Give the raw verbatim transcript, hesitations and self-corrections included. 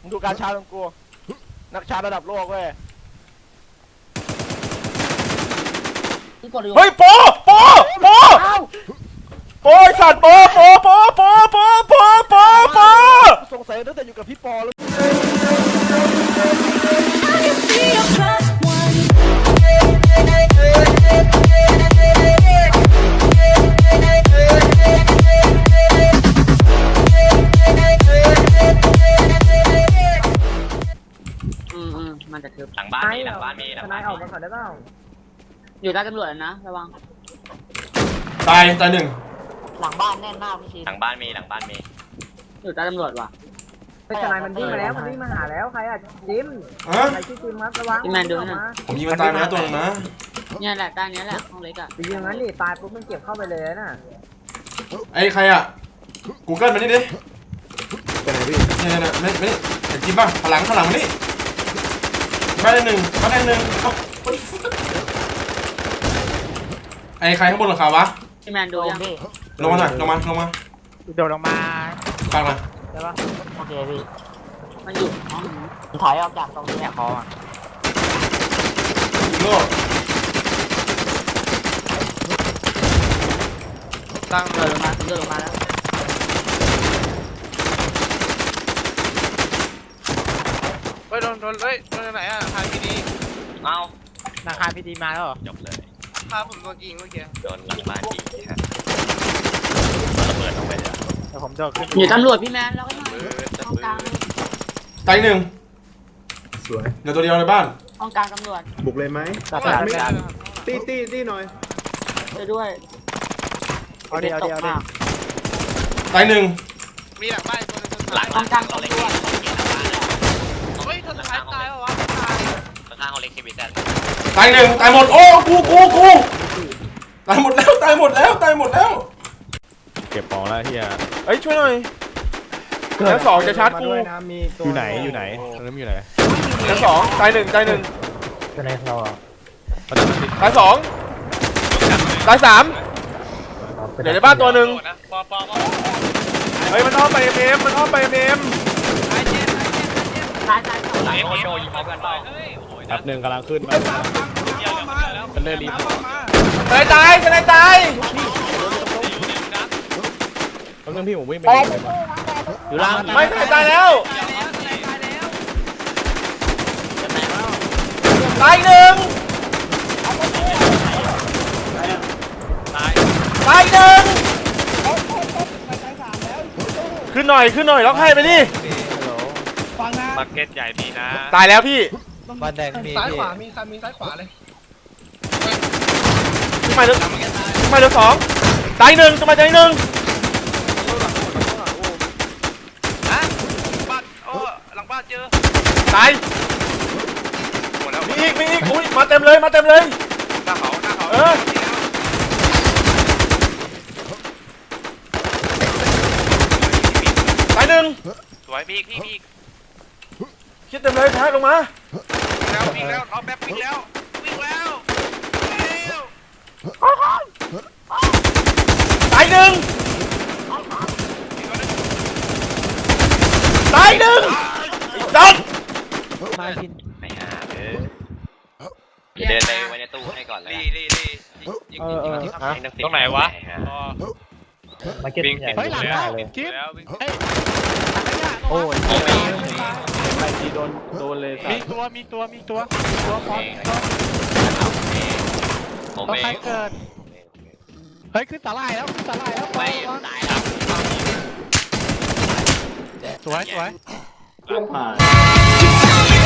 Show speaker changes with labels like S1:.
S1: ดูการชาร์จของกูนักชาร์จระดับโลกเว้ย
S2: เฮ้ยโปโปโปโปไอสัตว์โปโปโปโปโปโปโปโป
S1: สงสัยตั้งแต่อยู่กับพี่ปอแล้ว
S3: อืมอืมมันจะทึบ
S4: หลังบ้านมีหลังบ้านมีหลังบ้าน
S3: ออกมาก่อนได้เปล่าอยู่ใต้ตำรวจนะระวัง
S2: ตายตายหนึ่ง
S3: หลังบ้านแน่นมากพี่ชิน
S4: หลังบ้านมีหลังบ้านมี
S3: อยู่ใต้ตำรวจว่ะ
S5: เป็นทนายมันวิ่งมาแล้วมันวิ่งมาหาแล้วใครอ่ะจิม
S2: ฮะ
S5: ใครชื่อจิมครับระวัง
S3: พี่แมนดูนะ
S2: ผมยิงมันตายมาแล้วตัวนึงนะ
S3: เนี่ยแหละใต้นี้แหละห้องเล็กอ่ะ
S5: ไปยิงงั้นดิตายปุ๊บมันเก็บเข้าไปเลยน่ะ
S2: ไอ้ใครอ่ะกูเกิลมานี่ดิ
S6: เป็นไงพี่
S2: เนี่ยเนี่ยไม่ไม่ไอ้จิ๊บป่ะพลังพลังมานี่มาได้หนึ่งมาได้หนึ่งไอ้ใครข้างบนหลังคาวะ
S3: พี่แมนดูยัง
S2: ลงมาหน่อยลงมาลงมา
S1: โดดลงมา
S2: ฟังหน่อย
S1: ใช่ปะ
S3: โอเคพี่มันอยู่ห้องถอยออกจากตรงนี้
S1: เนี่ยคออ่ะ
S2: ยิงโลด
S3: ตั้งเดินลงมาเดินลงมาแล้ว
S7: เฮ้ยโดนโดนเฮ้ยโดนไหนอ่ะทางที่ดี
S4: เอ้า
S1: นาคาพีดีมาแล้วเหรอ
S4: จบเลย
S7: พาผมโดนยิงเมื่อกี้
S4: โดนหลังบ้านยิงฮะระเบิดลงไปเลย
S1: เดี๋ยวผมโดดขึ้น
S3: อยู่ตำรวจพี่แมนแล้วก็หน่อย
S4: เบิดจะ
S3: ห้อง
S4: เบิ
S3: กลาง
S4: ด
S2: ตายหนึ่ง
S6: สวย
S2: เหลือตัวเดียวในบ้าน
S3: ห้องกลางตำรวจ
S6: บุกเลยไหม
S1: ตัดสายไม่ได้
S6: ตีตีตีหน่อย
S3: ช่วยด้วย
S1: เอาดิเอาดิเอาดิ
S2: ตายหนึ่ง
S7: มีหลังบ้านตัวนึง
S4: หลัง
S3: ห้องกลาง
S4: เขา
S3: ตำ
S4: เล็ก
S3: รวจ
S7: เฮ้ยเธอสุดท้ายตายวะวะตาย
S4: ข้างเขาเล็กทีวีแซน
S2: ตายหนึ่งตายหมดโอ้กูกูกูตายหมดแล้วตายหมดแล้วตายหมดแล้ว
S8: เก็บของแล้วเฮีย
S2: เฮ้ยช่วยหน่อยชั้นสองจะชาร์จกู
S8: อยู่ไหนอยู่ไหนตอนนั้นอยู่ไหน
S2: ชั้นสองตายหนึ่งตายหนึ่ง
S8: ประจำที่
S2: ตายสองตายสามเดี๋ยวในบ้านตัวหนึ่ง
S7: ปอปอปอ
S2: เฮ้ยมันอ้อมไปเอ็มเอ็มมันอ้อมไปเอ็มเอ็ม
S7: ตายเจ็บตายเจ็บ
S3: ตายตาย
S4: ไหนโอโชยิงพร้อมกันเปล่า
S8: แป๊บหนึ่งกำลังขึ้นมาเป็นเรื่องรีบ
S2: ตายตายตายตาย
S8: แป๊บนึงพี่ผมวิ่งไปอยู่ล่าง
S2: ไม่ตายตายแล้วตายหนึ่งตายหนึ่งขึ้นหน่อยขึ้นหน่อยล็อกให้ไปดิ
S4: มาร์เก็ตใหญ่มีนะ
S2: ตายแล้วพี่
S1: บ้านแดงมี
S7: ซ้ายขวามีซ้ายมีซ้ายขวาเลย
S2: ขึ้นมาเหลือขึ้นมาเหลือสองตายหนึ่งขึ้นมาตายหนึ่ง
S7: ฮะบ้านโอ้หลังบ้านเจอ
S2: ตาย
S7: หมดแล้ว
S2: มีอีกมีอีกอุ้ยมาเต็มเลยมาเต็มเลย
S7: หน้าเขาหน้าเขา
S2: เออ ตายหนึ่ง
S7: สวยมีอีกพี่มีอีก
S2: คิดเต็มเลยแพ้ลงมา
S7: แล้ววิ่งแล้วเอาแบ็ควิ่งแล้ววิ่งแล้ววิ่งแล้ว
S2: ตายหนึ่งตายหนึ่งสัตว์
S1: มาพิน
S4: ไม่หาเลยเดินไปไว้ในตู้ให้ก่อนเลย
S7: ดีดีดียิง
S1: เอ
S7: ยิ
S1: อง เออ
S7: ยิง
S1: ฮะ
S4: ตรงไหนวะ
S8: มาเก็ตใหญ่
S4: เฮ้ยหลังบ้าน
S7: ยิงแล้ววิ่ง
S1: โอ้ย
S4: โอ้ย
S8: ไปทีโดนโดนเลย
S7: มีตัวมีตัวมีตัวตัวพร้อม
S4: ผม
S7: ต้อง
S4: เอ
S7: ใครง เกิดเฮ้ยขึ้นสาลายแล้วขึ้นสาลายแล้ว
S4: ไม่ตายแล้ว
S7: สวยสวย
S6: ผ่าน